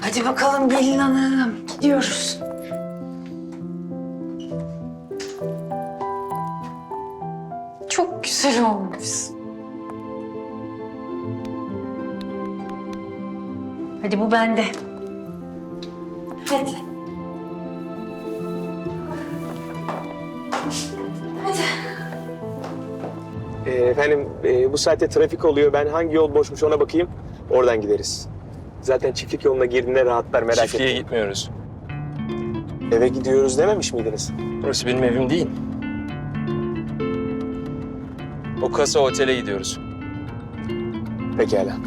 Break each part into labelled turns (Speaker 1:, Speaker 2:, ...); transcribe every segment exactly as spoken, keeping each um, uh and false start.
Speaker 1: Hadi bakalım gelin hanım. Gidiyoruz. Çok güzel olmuş. Hadi bu bende. Hadi. Hadi.
Speaker 2: Ee, efendim e, bu saatte trafik oluyor. Ben hangi yol boşmuş ona bakayım. Oradan gideriz. Zaten çiftlik yoluna girdiğinde rahatlar, merak
Speaker 3: Çiftliğe
Speaker 2: etmeyin.
Speaker 3: gitmiyoruz.
Speaker 2: Eve gidiyoruz dememiş miydiniz?
Speaker 3: Burası benim evim değil. O kasa otele gidiyoruz.
Speaker 2: Pekala.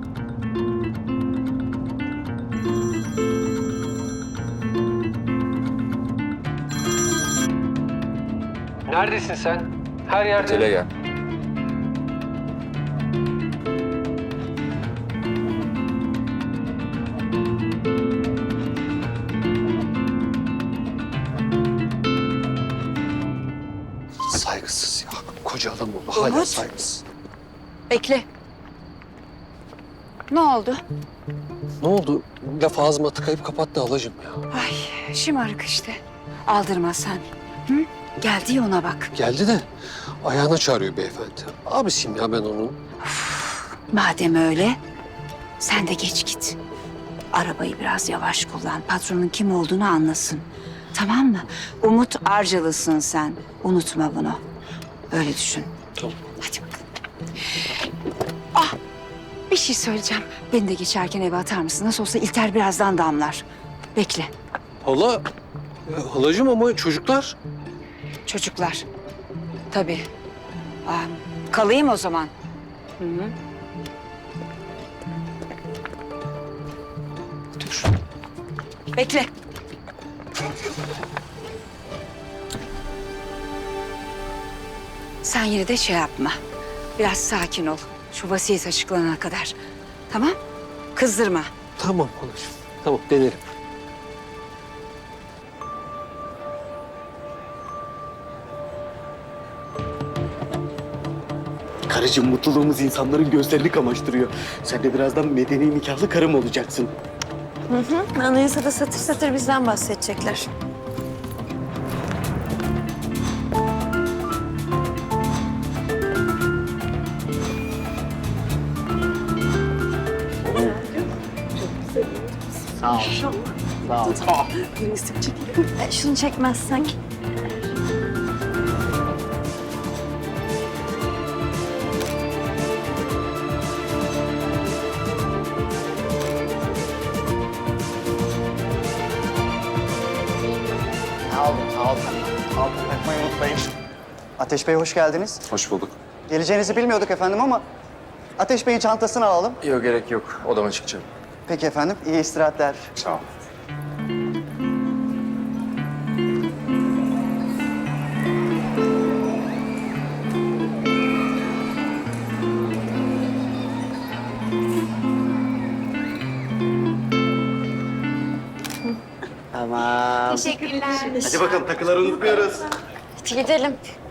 Speaker 4: Neredesin sen? Her yerde...
Speaker 3: Otele gel.
Speaker 5: Saygısız ya. Koca adam oldu. Hala
Speaker 1: Umut.
Speaker 5: saygısız.
Speaker 1: Bekle. Ne oldu?
Speaker 5: Ne oldu? Laf ağzıma tıkayıp kapattı halacığım ya.
Speaker 1: Ay şımarık işte. Aldırma sen. Hı? Geldi ya ona bak.
Speaker 5: Geldi de ayağına çağırıyor beyefendi. Abisiyim ya ben onun.
Speaker 1: Madem öyle sen de geç git. Arabayı biraz yavaş kullan. Patronun kim olduğunu anlasın. Tamam mı? Umut Arcalısın sen. Unutma bunu. Öyle düşün.
Speaker 5: Tamam.
Speaker 1: Hadi bakalım. Ah! Bir şey söyleyeceğim. Beni de geçerken eve atar mısın? Nasıl olsa İlter birazdan damlar. Bekle.
Speaker 5: Hala, e, halacığım ama çocuklar.
Speaker 1: Çocuklar. Tabii. Aa, kalayım o zaman. Hı hı. Dur. Bekle. Sen yine de şey yapma. Biraz sakin ol. Şu vasiyet açıklanana kadar. Tamam? Kızdırma.
Speaker 5: Tamam halacığım. Tamam denerim.
Speaker 6: Karıcığım mutluluğumuz insanların gözlerini kamaştırıyor. Sen de birazdan medeni nikahlı karım olacaksın.
Speaker 7: Hı hı. Anayasada satır satır bizden bahsedecekler.
Speaker 6: Sağ ol. Sağ ol.
Speaker 7: E, şunu çekmezsen.
Speaker 6: Sağ olun, sağ olun. Altın takmayı unutmayın. Ateş Bey hoş geldiniz.
Speaker 3: Hoş bulduk.
Speaker 6: Geleceğinizi bilmiyorduk efendim ama Ateş Bey'in çantasını alalım.
Speaker 3: Yok gerek yok. Odama çıkacağım.
Speaker 6: Peki efendim, iyi istirahatler.
Speaker 3: Sağ ol.
Speaker 6: Tamam.
Speaker 7: Teşekkürler.
Speaker 6: Hadi bakalım takıları unutmuyoruz.
Speaker 7: Hadi gidelim.